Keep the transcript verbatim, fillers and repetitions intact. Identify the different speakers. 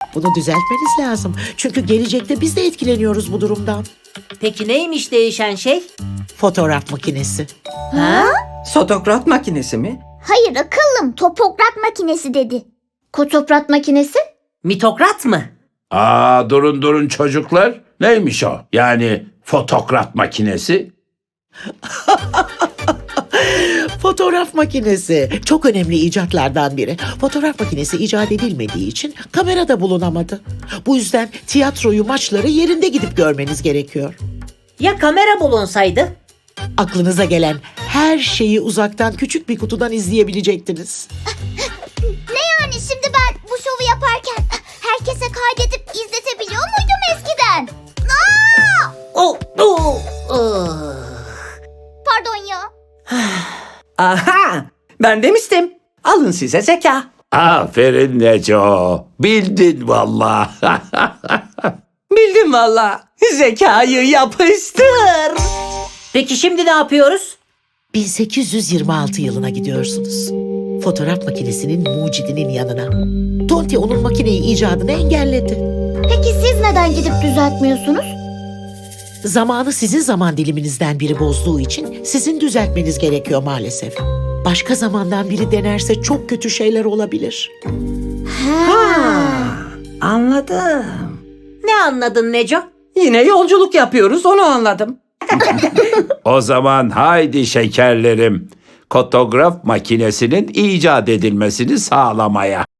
Speaker 1: Bunu düzeltmeniz lazım. Çünkü gelecekte biz de etkileniyoruz bu durumdan.
Speaker 2: Peki neymiş değişen şey?
Speaker 1: Fotoğraf makinesi.
Speaker 2: Ha?
Speaker 3: Fotokrat makinesi mi?
Speaker 4: Hayır akıllım, topokrat makinesi dedi.
Speaker 5: Kotoprat makinesi?
Speaker 2: Mitokrat mı?
Speaker 6: Aa durun durun çocuklar. Neymiş o? Yani fotokrat makinesi?
Speaker 1: Fotoğraf makinesi çok önemli icatlardan biri. Fotoğraf makinesi icat edilmediği için kamerada bulunamadı. Bu yüzden tiyatroyu, maçları yerinde gidip görmeniz gerekiyor.
Speaker 2: Ya kamera bulunsaydı?
Speaker 1: Aklınıza gelen her şeyi uzaktan küçük bir kutudan izleyebilecektiniz.
Speaker 4: Ne yani şimdi ben bu şovu yaparken herkese kaydedip izletebiliyor muydum eskiden? Aa!
Speaker 2: Oh, oh, oh.
Speaker 4: Pardon ya.
Speaker 3: Aha! Ben demiştim. Alın size zeka.
Speaker 6: Aferin Neco. Bildin valla.
Speaker 3: Bildim valla. Zekayı yapıştır.
Speaker 2: Peki şimdi ne yapıyoruz?
Speaker 1: bin sekiz yüz yirmi altı yılına gidiyorsunuz. Fotoğraf makinesinin mucidinin yanına. Tonti onun makineyi icadını engelledi.
Speaker 4: Peki siz neden gidip düzeltmiyorsunuz?
Speaker 1: Zamanı sizin zaman diliminizden biri bozduğu için sizin düzeltmeniz gerekiyor maalesef. Başka zamandan biri denerse çok kötü şeyler olabilir.
Speaker 3: Ha, anladım.
Speaker 2: Ne anladın Neco?
Speaker 3: Yine yolculuk yapıyoruz, onu anladım.
Speaker 6: O zaman haydi şekerlerim. Fotograf makinesinin icat edilmesini sağlamaya.